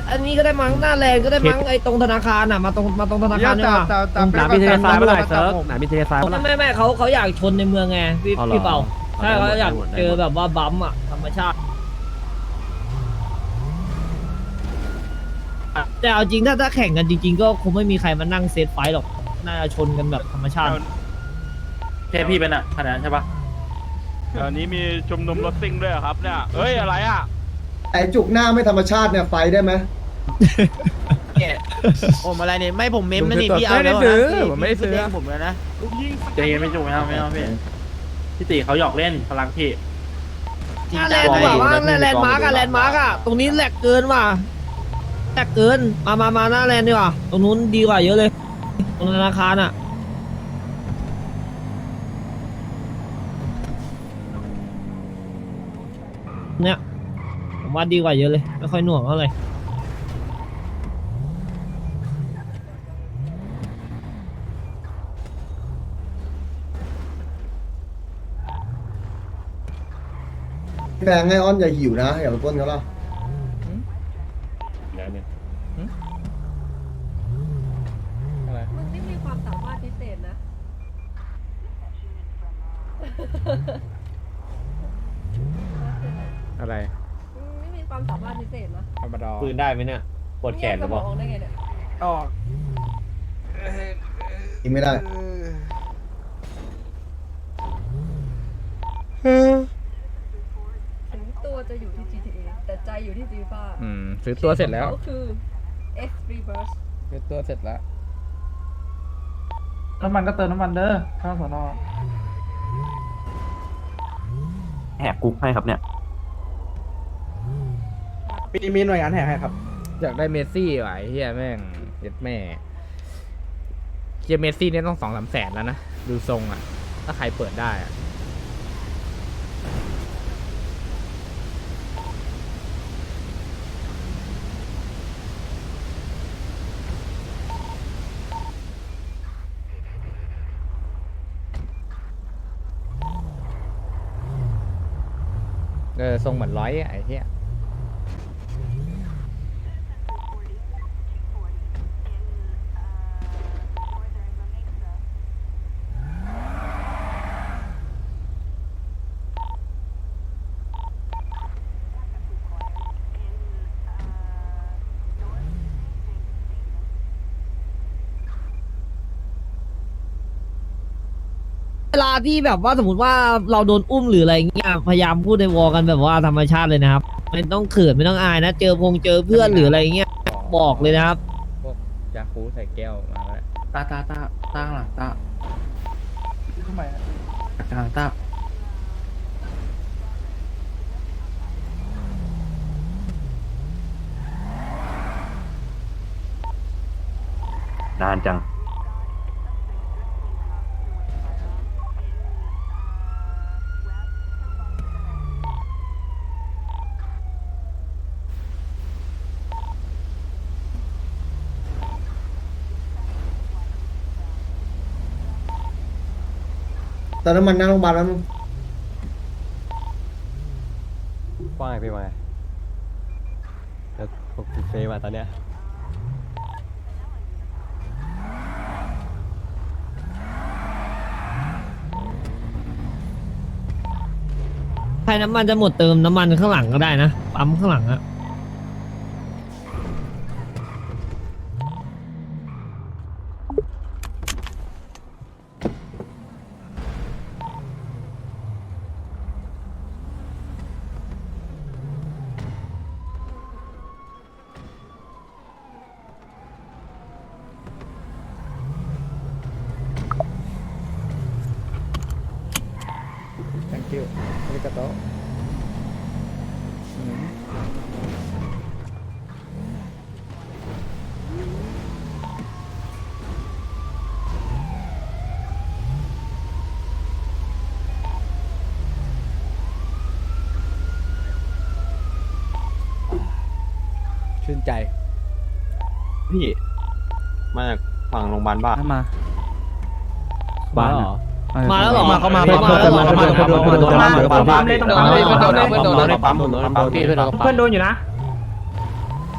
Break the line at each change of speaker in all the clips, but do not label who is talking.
อันนี้ก็ได้มั้งหน้าแลนด์ก็ได้มั้งไอ้ตรงธนาคารอ่ะมาตรงธนาคารเนี่ย
หนามีเทเลซ้ายเมื่อไหร่เซิร์ฟหนามีเทเลซ้ายเมื่อไหร่
ไม่เขาอยากชนในเมืองไงพี่เปาใช่เขาอยากเจอแบบว่าบัมอ่ะธรรมชาติแต่เอาจริงถ้าแข่งกันจริงๆก็คงไม่มีใครมานั่งเซตไฟหรอกน่าจะชนกันแบบธรรมชาติ
แค่พี่เป็นอะขนาดนั้นใช่ปะ
อันนี้มีชุมนุมรถซิ่งด้วยเหรอครับเนี่ยเฮ้ยอะไรอ่ะ
ไอจุกหน้าไม่ธรรมชาติเนี่ยไฟได้ไหม
ผมอะไรเนี่ยไม่ผมเมมนะนี่พี่เอาแล้วนะผมไม่ได้ซื้อผมเลยนะ
ใจเย็นไม่จุกไม่เอาพี่ตีเขาหยอกเล่นพลังพี่
หน้าแลนด์ดีกว่าว่าแลนด์มาร์กอะตรงนี้แหลกเกินว่ะแหลกเกินมาหน้าแลนด์ดีกว่าตรงนู้นดีกว่าเยอะเลยตรงธนาคารอะเนี่ยผมว่าดีกว่าเยอะเลยไม่ค่อยหน่วงเท่าไหร่
แฟงให้อ้อนอย่าหิวนะอย่าไปปล้นเขาล่ะ
มึงนี่มีความสามารถพิเศษนะ
อะไร
มึงนี่มีความสามารถพิเศษนะ
ธรรมดา
ปืนได้ไหมเนี่ยปวดแขนหรือเปล่า
มึงแยกสมองได้ไงเนี่ย
ออก
กินไม่ได้
ถึงตัวจะอยู่ที่ GTA แต่ใจอยู่ที่ FIFA
ซื้อตัวเสร็จแล้ว
เขาคือ F Reverse
ซื้อตัวเสร็จแล้ว
น้ำมันก็เติมน้ำมันเด้อข้างสอนอแหกคุกให้ครับเนี่ย
มีหน่วยงานแห่ให้ครับ
อยากได้เมสซี่ว่ะไอ้เฮียแม่งเย็ดแม่เฮียเมสซี่เนี่ยต้อง2-3 แสนแล้วนะดูทรงอ่ะถ้าใครเปิดได้อ่ะทรงเหมือนร้อยไอ้เหี้ย
เวลาที่แบบว่าสมมติว่าเราโดนอุ้มหรืออะไรเงี้ยพยายามพูดในวอลกันแบบว่าธรรมชาติเลยนะครับไม่ต้องเขินไม่ต้องอายนะเจอเจอเพื่อนหรืออะไรเงี้ยบอกเลยนะครับ
พวกยาคูใส่แก้วมาแล้ว
ตาข้างหลังตาทำไมกลางตา นานจัง
แต่น้ำมันหน้าโรงพยาบาลแล้วมึง
ว่าไงพี่ว่าไงแล้วพวกเฟย์มาตอนเนี้ย
ใครน้ำมันจะหมดเติมน้ำมันข้างหลังก็ได้นะปั๊มข้างหลังอะ
thank you อาริกาโตชื่นใจ
พี่มาจากฝั่งโรงพยาบาลบ้า
มา
บ้านเหรอ
มาแล้วเหรอ
เข้ามา
แล้วเหรอ
เพื่อนโดน
ปั๊มเลยต้องปั๊มเลยปั๊มเลยปั๊มพี่เพื่อนโดน
เพื่อนโดนอยู่นะ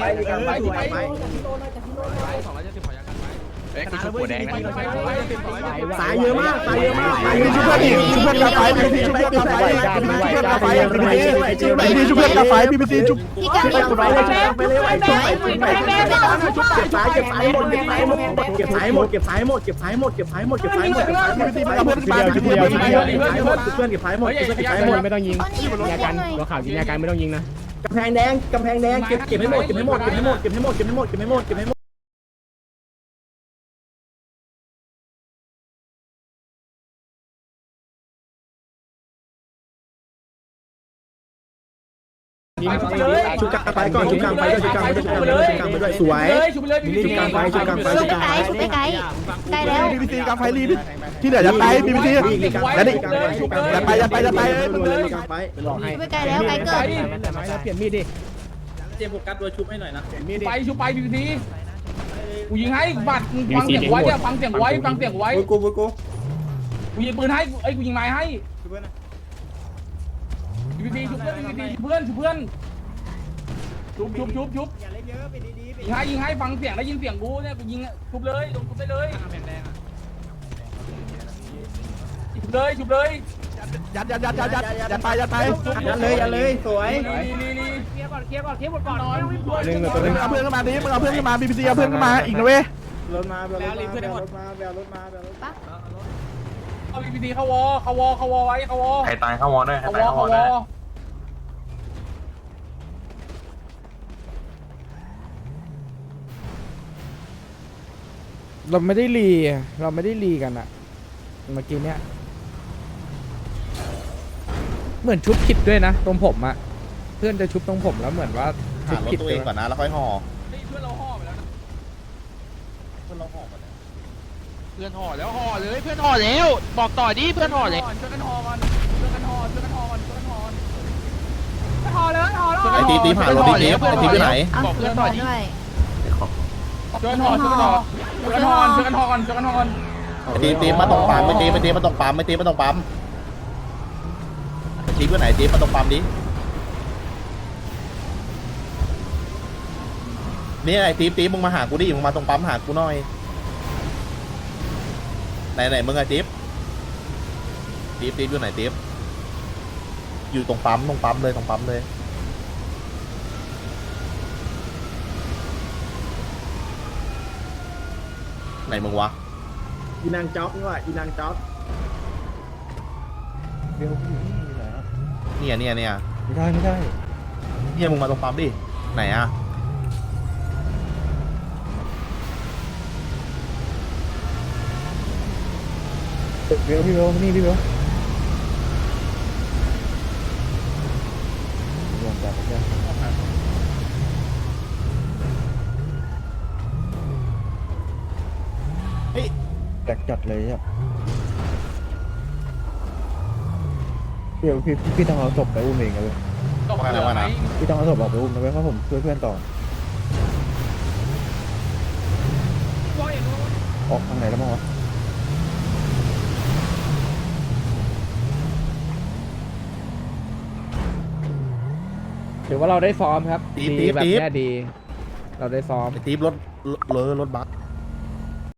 ลีกลางไฟลีกลางไฟ สายเยอะมากสายเยอะมากสายเยอะมากชุบเพื่อนกาไฟชุบเพื่อนกาไฟชุบเพื่อนกาไฟพี่พีซีชุบเพื่อนกาไฟไปเลยเก็บสายเก็บสายหมดเก็บสายหมดเก็บสายหมดเก็บสายหมดเก็บสายหมดเก็บสายหมดเก็บสายหมดเก็บสายหมดเก็บสายหมดเพื่อนเก็บสายหมดเก็บสายหมด
ไม่ต้องยิงยากันตัวข่าวยิงยากันไม่ต้องยิงนะ
กำแพงแดงเก็บให้หมดเก็บให้หมดเก็บให้หมดเก็บให้หมดเก็บให้หมดเก็บให้หมดเก็บให้หมดชุบกลางไฟก่อนชุบกลางไฟด้วยชุบกลางไฟด้วยชุบกลางไฟด้วยชุบกลางไฟด้วยสวยชุบกลางไฟชุบกลางไฟ
ชุบไปไกลชุบไปไกลไกลแล้ว
บีบีซีกลางไฟรีที่เหลือจะไปบีบีซีแล้วนี่จะไปเลยกลางไฟ
ชุบไปไกลแล้วไกลเกิน
เปลี่ยนมีดดิ
ไปชูไปดีดีกูยิงให้บัตรฟังเสียงไว้เนี่ยฟังเสียงไว้ฟังเสียงไว้กูยิงปืนให้ไอ้กูยิงไม้ให้ดีดีชุบเพื่อนดีเพื่อนชุบเพื่อนชุบยิงให้ฟังเสียงได้ยินเสียงกูเนี่ยกูยิงชุบเลยลงชุบได้เลยชุบเลย
ยัดไปยัดเลยสวย
เคลียร์ก่อนหมดก่อนนอน
มึงเอาเพื่อนขึ้นมาดิมึงเอาเพื่อนขึ้นมาบีบีซีเอาเพื่อนขึ้นมาอีกนะเว้ย
เอาบีดีเข้าวอไว้เข้าวอ
ใครตายเข้าวอด้วย
เข้าวอ
เราไม่ได้รีกันอะเมื่อกี้เนี้ยเหมือนชุบผิดด้วยนะตรงผมอะเพื่อนจะชุบตรงผมแล้วเหมือนว่าชุบผิดตัวเองก่อนนะแล้วค่อยห่อ
เพื่อนเราห่อไปแล้วนะเพื่อนห่อแล้วห่อเลยเพื่อนห่อแล้วบอกต่อดิเพื่อนห่อเลยช่วยกันห่อก่อนห่อเลยห่อแล้ว
ไอ้ตีผ่านรถตีไปไหน
เอาเพื่อนด้วย
ช่วยกันห่อก่อน
ตีมาตรงปั๊มไม่ตีมาตรงปั๊มตีไปไหนตีมาตรงปั๊มดินี่ไอ้ตีมึงมาหากูดิมึงมาตรงปั๊มหากูหน่อยไหนมึงไอ้ตีอยู่ไหนตีอยู่ตรงปั๊มเลยไหนมึงวะอีนางจ๊อบนี่ว่ะอีนางจ๊อบเนี่ยไม่ได้เนี่ยมึงมาตรงปั๊มดิไหนอะพี่เบลนี่พี่เบลจัดเลยอ่ะพี่ต้องเอาศพไปอุ้มเองเลยพี่ต้องเอาศพออกไปอุ้มนะเว้ยเพราะผมช่วยเพื่อนต่อออกทางไหนแล้วมั้งวะ
ถือว่าเราได้ซ้อมครับดีแบบนี้ดีเราได้ซ้อม
ตีรถบัส